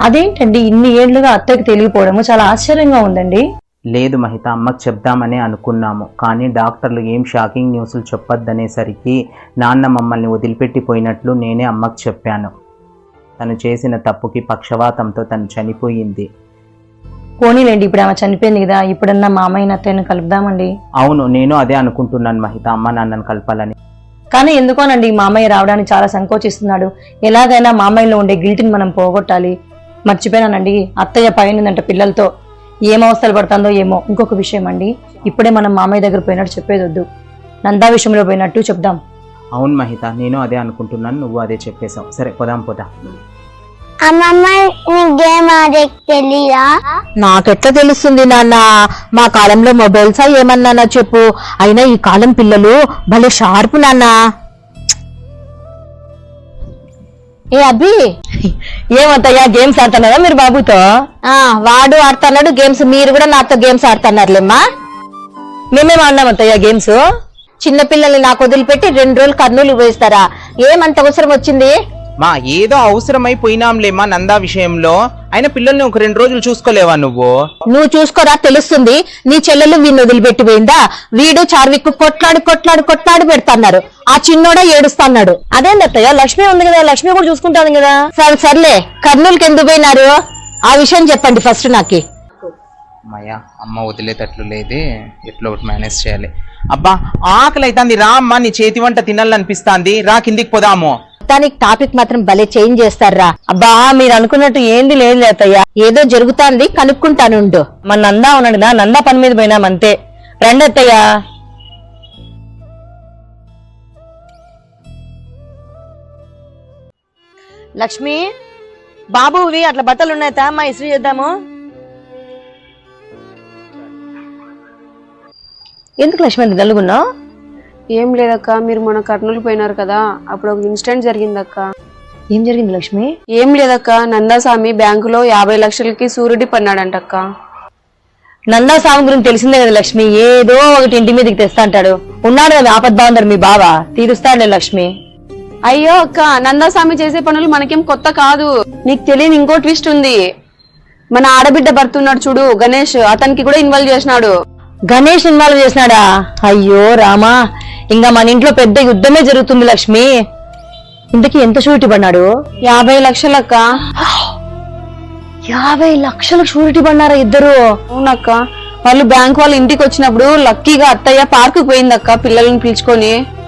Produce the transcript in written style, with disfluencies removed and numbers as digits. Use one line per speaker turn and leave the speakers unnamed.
అదేంటండి ఇన్ని ఏళ్లుగా అత్తకి తెలియపోవడము చాలా ఆశ్చర్యంగా ఉందండి.
లేదు మహిత, అమ్మకు చెప్దామని అనుకున్నాము, కానీ డాక్టర్లు ఏం షాకింగ్ న్యూస్లు చెప్పొద్దనేసరికి నాన్న మమ్మల్ని వదిలిపెట్టిపోయినట్లు నేనే అమ్మకు చెప్పాను. తను చేసిన తప్పుకి పక్షవాతంతో తను చనిపోయింది.
పోనీలేండి, ఇప్పుడు ఆమె చనిపోయింది కదా, ఇప్పుడన్నా మామయ్య అత్తయ్యను కలుపుదామండి.
అవును, నేను అదే అనుకుంటున్నాను మహిత, అమ్మ నాన్నను కలపాలని.
కానీ ఎందుకోనండి మామయ్య రావడానికి చాలా సంకోచిస్తున్నాడు. ఎలాగైనా మామయ్యలో ఉండే గిల్ట్ని మనం పోగొట్టాలి. మర్చిపోయానండి, అత్తయ్య పైనందంట పిల్లలతో, ఏం అవస్థలు పడుతుందో ఏమో. ఇంకొక విషయం అండి, ఇప్పుడే మనం మామయ్య దగ్గర పోయినట్టు చెప్పేది వద్దు, నందా విషయంలో పోయినట్టు చెప్దాం.
అవును మహిత, నేను అదే అనుకుంటున్నాను, నువ్వు అదే చెప్పేశావు. సరే పోదాం.
అమ్మమ్మ గేమ్ ఆడే తెలీదా?
నాకెట్లా తెలుస్తుంది నాన్న, మా కాలంలో మొబైల్సా ఏమన్నానా చెప్పు. అయినా ఈ కాలం పిల్లలు భలే షార్ప్ నాన్న. ఏ అబ్బి,
ఏమత్తయ్యా గేమ్స్ ఆడుతున్నారా మీరు బాబుతో?
వాడు ఆడుతున్నాడు గేమ్స్, మీరు కూడా నాతో గేమ్స్ ఆడుతున్నారులేమ్మా.
మేమేం ఆడినామత్తయ్యా గేమ్స్?
చిన్నపిల్లల్ని నాకు వదిలిపెట్టి 2 రోజులు కర్నూలు పోయిస్తారా? ఏమంత అవసరం వచ్చింది?
మా ఏదో అవసరమైపోయినాంలేమ్మా నందా విషయంలో. అయినా పిల్లల్ని ఒక 2 రోజులు చూసుకోలేవా నువ్వు?
నువ్వు చూసుకోరా, తెలుస్తుంది. నీ చెల్లెలు వీడిని వదిలిపెట్టిపోయిందా? వీడు చార్విక్ కొట్లాడి పెడతాన్నారు. ఆ చిన్నోడా ఏడుస్తున్నాడు.
అదేందత్తయ్య, లక్ష్మి ఉంది కదా, లక్ష్మి కూడా చూసుకుంటాను కదా.
సర్లే, కర్నూలుకి ఎందుకు పోయినారు ఆ విషయం చెప్పండి ఫస్ట్ నాకి.
మాయా, అమ్మ వదిలేటట్లు లేదే, ఎట్లా ఒకటి మేనేజ్ చేయాలి. అబ్బా ఆకలి అవుతుంది, రా అమ్మ, నీ చేతి వంట తినాలనిపిస్తాంది, రా కిందికి పోదాము.
దానికి టాపిక్ మాత్రం భలే చేంజ్ చేస్తారా.
అబ్బా మీరు అనుకున్నట్టు ఏంది లేదు అత్తయ్య,
ఏదో జరుగుతాంది, కనుక్కుంటానుండు.
మన నందా ఉన్నాడు కదా, నందా పని మీద పోయినామంతే. రండి అత్తయ్య. లక్ష్మి, బాబువి అట్లా బట్టలు ఉన్నాయా అమ్మా, ఇస్త్రీ చేద్దాము. ఎందుకు లక్ష్మి అంత గలుగున్నావు?
ఏం లేదక్క, మీరు మొన్న కర్నూలు పోయినారు కదా, అప్పుడు ఒక ఇన్సిడెంట్ జరిగిందక్క.
ఏం జరిగింది లక్ష్మి?
ఏం లేదక్క, నందాస్వామి బ్యాంకులో 50 లక్షలకి సూరిటీ పన్నాడంటక్క.
నందా స్వామి గురించి తెలిసిందే కదా లక్ష్మి, ఏదో ఒకటి ఇంటి మీదకి తెస్తా అంటాడు. ఉన్నాడు కదా ఆపద్బాందరు మీ బావ, తీరుస్తాడులే లక్ష్మి.
అయ్యో అక్క, నందాస్వామి చేసే పనులు మనకేం కొత్త కాదు. నీకు తెలియని ఇంకో ట్విస్ట్ ఉంది. మన ఆడబిడ్డ భర్త ఉన్నాడు చూడు గణేష్, అతనికి కూడా ఇన్వాల్వ్ చేసినాడు.
గణేష్ ఇన్వాల్వ్ చేసినాడా? అయ్యో రామా, ఇంకా మన ఇంట్లో పెద్ద యుద్ధమే జరుగుతుంది లక్ష్మి. ఇంతకీ ఎంత షూరిటీ పడినాడు?
50 లక్షలక్క.
50 లక్షలకు షూరిటీ పడినారా ఇద్దరు?
అవునక్క, వాళ్ళు బ్యాంక్ వాళ్ళు ఇంటికి వచ్చినప్పుడు లక్కీగా అత్తయ్య పార్కు పోయిందక్క పిల్లల్ని పిలుచుకొని.